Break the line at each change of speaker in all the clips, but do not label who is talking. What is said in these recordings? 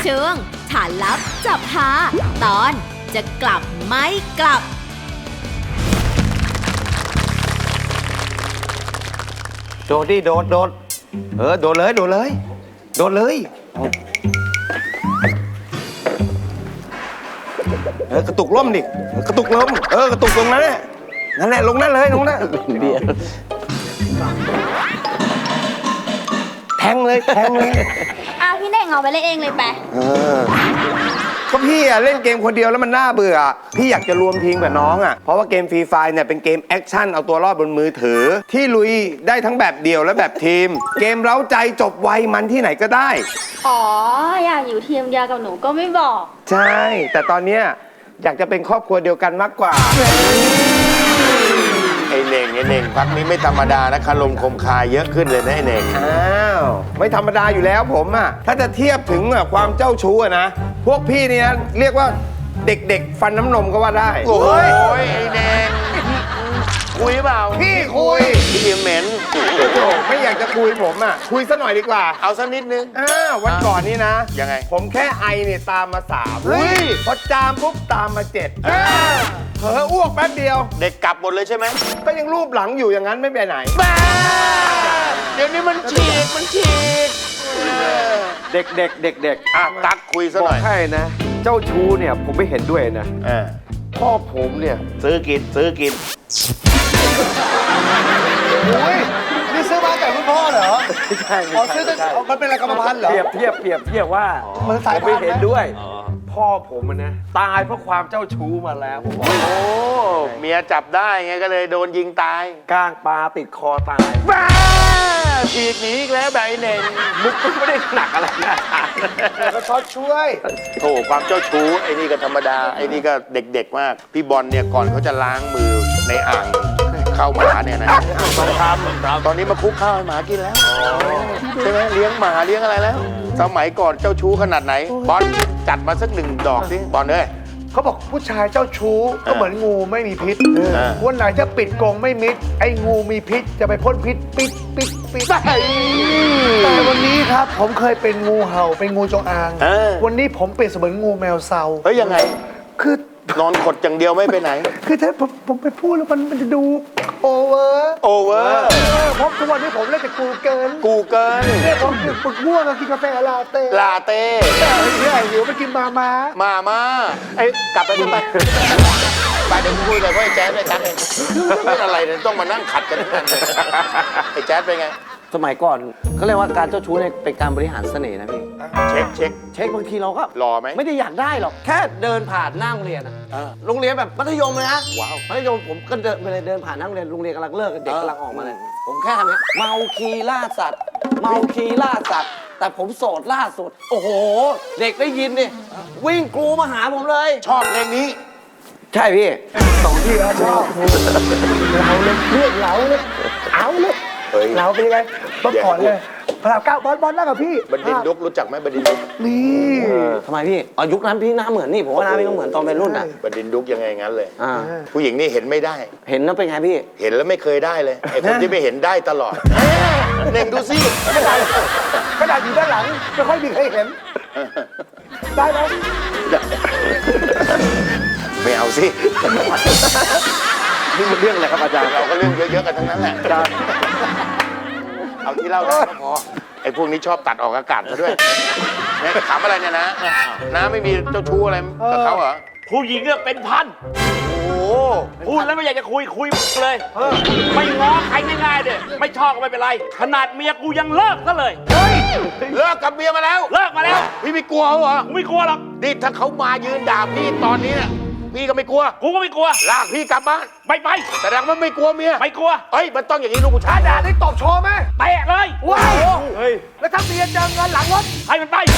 ช่วงฐานลับจับหาตอนจะกลับไม่กลับ
โดดดิโดดโดดโดดเลยโดดเลยโดดเลยกระตุกล่มดิกระตุกล่มกระตุกตรงนั้นแหละนั่นแหละลงนั่นเลยลงนั่นแทงเลยแทงเลย
พี่เน่งเอาไปเล่นเองเลยไป
ก็พี่อะเล่นเกมคนเดียวแล้วมันน่าเบื่อพี่อยากจะรวมทีมกับน้องอะเพราะว่าเกมฟรีไฟเนี่ยเป็นเกมแอคชั่นเอาตัวรอดบนมือถือที่ลุยได้ทั้งแบบเดี่ยวและแบบทีมเกมเร้าใจจบไวมันที่ไหนก็ได้
อ๋ออยากอยู่ทีมเดียวกับหนูก็ไม่บอก
ใช่แต่ตอนเนี้ยอยากจะเป็นครอบครัวเดียวกันมากกว่า
ไอ้เน่งพักนี้ไม่ธรรมดานะคารมคมคายเยอะขึ้นเลยนะไอ้เน่ง
อ้าวไม่ธรรมดาอยู่แล้วผมอะถ้าจะเทียบถึงความเจ้าชู้อะนะพวกพี่เนี่ยเรียกว่าเด็กๆฟันน้ำนมก็ว่าได้
โอ้ยไอ้เน่งคุยเปล่า
พี่คุย
พี่เหม็น
ไม่อยากจะคุยผมอะคุยซะหน่อยดีกว่า
เอาสักนิดนึง
วันก่อนนี่นะ
ยังไง
ผมแค่ไอเนี่ยตามมา3พอจามปุ๊บตามมา7เผลออ้วกแป๊บเดียว
เด็กกลับหมดเลยใช่ไหม
ก็ยังรูปหลังอยู่อย่างนั้นไม่ไปไหน
บ้าเดี๋ยวนี้มันฉีก
เด็ก
ตักคุยซะหน่อย
บอกให้นะเจ้าชู้เนี่ยผมไม่เห็นด้วยนะพ่อผมเนี่ย
ซื้อกิน
โอ้ยนี่ซื้อมาจากคุณพ่อเหรอ
ใช่
ซื้อมันเป็นอะไรกรรมพันธุ์เหรอ
เปรียบว่า
เหมือนสาย
ไม่เห็นด้วยพ่อผมนะตายเพราะความเจ้าชู้มาแล้ว
โอ้เมียจับได้ไงก็เลยโดนยิงตาย
ก้างปลาติดคอตาย
บ้าฉีกหนีอีกแล้วแบบไอ้เน่ง
มุกก็ไม่ได้หนักอะไรนะ
ก็ช็อตช่วย
โธ่ความเจ้าชู้ไอ้นี่ก็ธรรมดาไอ้นี่ก็เด็กๆมากพี่บอลเนี่ยก่อนเขาจะล้างมือในอ่างข้าวหมาเนี่ยนะต้องทำตอนนี้มาคุกข้าวให้หมากินแล้วใช่ไหมเลี้ยงหมาเลี้ยงอะไรแล้วสมัยก่อนเจ้าชู้ขนาดไหนบอลจัดมาสัก1 ดอกสิบอลเลย
เขาบอกผู้ชายเจ้าชู้ก็เหมือนงูไม่มีพิษวันไหนจะปิดกรงไม่มิดไอ้งูมีพิษจะไปพ่นพิษปิดแต่วันนี้ครับผมเคยเป็นงูเห่าเป็นงูจงอางวันนี้ผมเปลี่ยนเสมือนงูแมวเซา
เฮ้ยยังไง
คือน
อนขดอย่างเดียวไม่ไปไหน
คือถ้าผมไปพูดแล้วมันจะดูโอเวอร์เพราะทุกวันนี้ผมเล่นแต่กูเกินเนี่ยผมฝึกง่วงกินกาแฟลาเต้เนี่ยหิวไปกิน
มาไอ้กลับไปขึ้นไปเดี๋ยวคุยกับไอ้แจ๊ดไอ้แจ๊ดเองเป็นอะไรเนี่ยต้องมานั่งขัดกันทั้งนั้นไอ้แจ๊ดเป็นไง
สมัยก่อนเขาเรียกว่าการเจ้าชู้เนี่ยเป็นการบริหารเสน่ห์นะพี่
เช็ค
บางทีเราก็
รอไหม
ไม่ได้อยากได้หรอกแค่เดินผ่านหน้าโรงเรียนโรงเรียนแบบมัธยมเลยนะมัธยมผมก็เดินไปเลยเดินผ่านหน้าโรงเรียนกำลังเลิกเด็กกำลังออกมาเลยผมแค่ทำเนี้ยเมาคีล่าสัตว์แต่ผมโสดล่าสุดโอ้โหเด็กได้ยินดิวิ่งกรูมาหาผมเลย
ชอบเพลงนี้
ใช่พี่
2 ที่แล้วชอบเราเลยเรื่องเราเลยเอาเลยเราเป็นยังไงต้องก่อนเลยพระราม9บอลนั่งกับพี่
บดินดุกรู้จักไหมบดินดุก
นี่
ทำไมพี่ยุคนั้นพี่หน้าเหมือนนี่ผมว่าหน้าพี่ก็เหมือนตอนเป็นรุ่น
บดินดุกยังไงงั้นเลยผู้หญิงนี่เห็นไม่ได้
เห็นแล้วเป็นไงพี่
เห็นแล้วไม่เคยได้เลยไอ้คนที่ไม่เห็นได้ตลอดเน่งดูสิ
ขนาดอยู่ด้านหลังไม่ค่อยมีใครเห็นได้ไหม
ไม่เอาสิ
นี่มันเรื่องอะไรครับอาจารย์
เราก็เรื่องเยอะๆกันทั้งนั้นแหละเอาที่เล่าได้ก็พอไอ้พวกนี้ชอบตัดออกอากาศมาด้วยถามอะไรเนี่ยนะไม่มีเจ้าชู้อะไรกับเขาเหรอ
ผู้หญิงเนี่ยเป็นพัน
โอ้
พูดแล้วไม่อยากจะคุยเลยไม่ง้อใครง่ายๆเลยไม่ชอบก็ไม่เป็นไรขนาดเมียกูยังเลิกซะเลย
เลิกกับเมียมาแล้วพี่ไม่กลัวเหรอ
ไม่กลัวหรอก
นี่ถ้าเขามายืนด่าพี่ตอนนี้เนี่ยพี่ก็ไม่กลัว
กูก็ไม่กลัว
ลากพี่กลับบ้าน
ไป
แต่ดังมันไม่กลัวเมีย
ไม่กลัว
เอ้ยมันต้องอย่างนี้ลูกผู้ชาย
ด่าได้ตบโชว์ไหม
เตะเลย
ว้าวแล้วถ้าเมียเจอเงินหลังรถ
ให้มันไป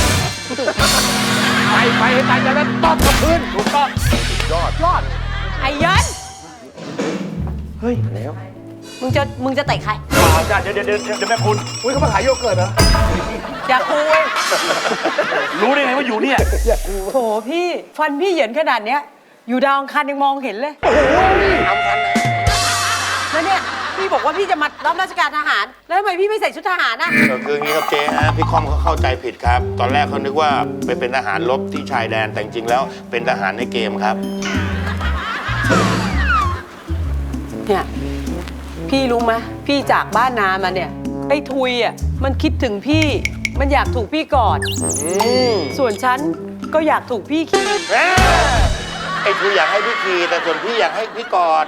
ให้ตายจากนั้นตบกับพื้น
ถูกต้อง
ยอด
ไอ้ยัน
เฮ้ยแล้ว
มึงจะเตะใคร
จ้าเดี๋ยวแม่คุณ
อุ้ยเขามาขายโยเกิร์ตเหรอ
อย่าคุย
รู้ได้ไงว่าอยู่เนี่ย
โหพี่ฟันพี่เหยินขนาดเนี้ยอยู่ดาวอังคารยังมองเห็นเลย
ทำทันเลย
แล้วเนี่ยพี่
พี่บอกว่าพี่จะมารับราชการทหาร แล้วทำไมพี่ไม่ใส่ชุดทหารน่ะ
ก็คืออย่างนี้ครับเจ๊ฮะพี่คอมเขาเข้าใจผิดครับ ตอนแรกเขานึกว่าไปเป็นทหารรบที่ชายแดนแต่จริงๆแล้วเป็นทหารในเกมครับ
เนี่ยพี่รู้ไหมพี่จากบ้านนามาเนี่ยไอ้ทุยอ่ะมันคิดถึงพี่มันอยากถูกพี่กอดส่วนฉันก็อยากถูกพี่ขี่
ไอ้คืออยากให้พี่ขี่แต่ส่วนพี่อยากให้พี่กอด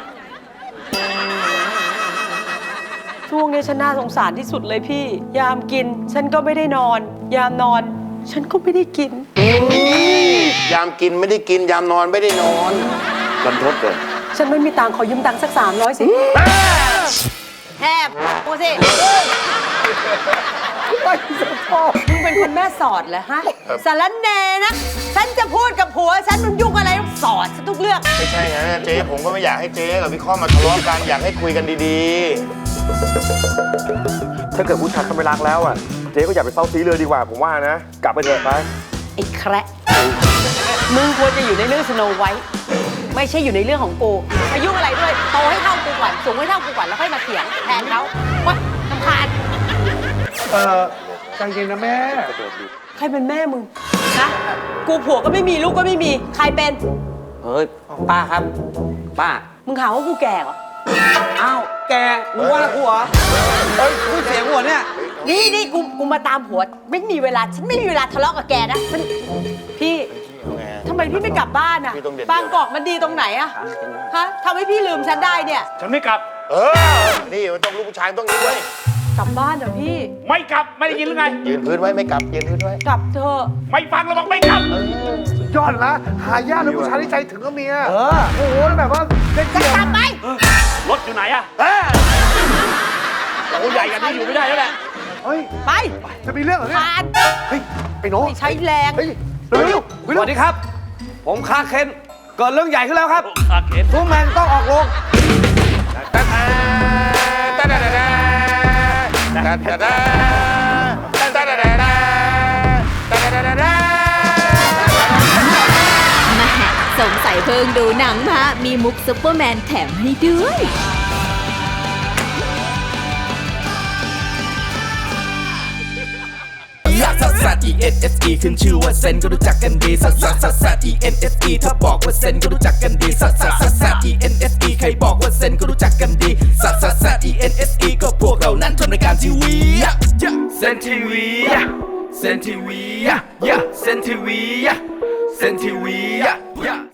ช่วงนี้ฉันน่าสงสารที่สุดเลยพี่ ยามกินฉันก็ไม่ได้นอน ยามนอน ฉันก็ไม่ได้กิน
ยามกินไม่ได้กินยามนอนไม่ได้นอน
รันทดเลย
ฉันไม่มีตังค์ขอยืมตังค์สัก300สิแทบกูสิมึงเป็นคนแม่สอดเหรอฮะสารแหน่นะฉันจะพูดกับผัวฉันมึงยุ่งอะไรต้องสอดฉันทุกเรื่อง
ไม่ใช่ฮะเจ๊ผมก็ไม่อยากให้เจ๊กับพี่คอมมาทะเลาะกันอยากให้คุยกันดี
ถ้าเกิดผู้ชายเขาไม่รักแล้วอ่ะ เจ๊ก็อย่าไปเฝ้าซีเลยดีกว่าผมว่านะ กลับไปเถอะไป
ไอ้แคระมึงควรจะอยู่ในเรื่องสโนไวท์ไม่ใช่อยู่ในเรื่องของกูมายุ่งอะไรด้วยโตให้เท่ากูก่อนสูงให้เท่ากูก่อนแล้วค่อยมาเถียงแทนเขาว้าลำคาญ
ใจเย็นนะแม่
ใครเป็นแม่มึงนะกูผัวก็ไม่มีลูกก็ไม่มีใครเป็น
เฮ้ยป้าครับป้า
มึงหาว่ากูแก่เหรอ
อ้าวแกมึงว่ากูเหรอเฮ้ยพูดเสียงหัวเนี่ย
นี่กูมาตามผัวไม่มีเวลาฉันไม่มีเวลาทะเลาะกับแกนะมันพี่ทำไมพี่ไม่กลับบ้านอ่ะบางกอกมันดีตรงไหนอ่ะฮะทำให้พี่ลืมฉันได้เนี่ย
ฉันไม่กลับ
นี่มันต้องลูกผู้ชายต้องนี้ด้วย
กลับบ้านเหรอพี่
ไม่กลับ ไม่ได้ยินหรือไง
ยืนพื้นไว้ไม่กลับยืนพื้นไว้
กลับเถอะ
ไม่ฟังเราบอกไม่กลับ
ยอดละหายากเลยผู้ชายที่ใจถึงก็เมียโอ้โหแบบว่าเด็ก
จะ
เกี่ยว
กลับไหม
รถอยู่ไหนอะโอ้ใหญ่กันนี่อยู่ไม่ได้แล้วแหละ
เฮ้ย
ไป
จะมีเรื่องเหรอเนี่ย
ผ่าน
เฮ้ยไอ้น้อง
ไม่ใช้แรง
เฮ้ยเร็ว
สวัสดีครับ ผมคาเคนเกิดเรื่องใหญ่ขึ้นแล้วครับ
คาเคน
ทุกแมนต้องออกโรง
แม่สงสัยเพิ่งดูหนังมา มีมุกซุปเปอร์แมนแถมให้ด้วย
ลักซัสซัส E N S E ขึ้นชื่อว่าเซนก็รู้จักกันดีซัสซัสซัสซัส E N S E ถ้าบอกว่าเซนก็รู้จักกันดีซัสซัสซัสซัส E N S E ใครบอกว่าเซนก็รู้จักกันดีซัสซัสซัส E N S E ก็พวกเรานั้นทำรายการทีวีเซนทีวีเซนทีวีเซนทีวีเซนทีวี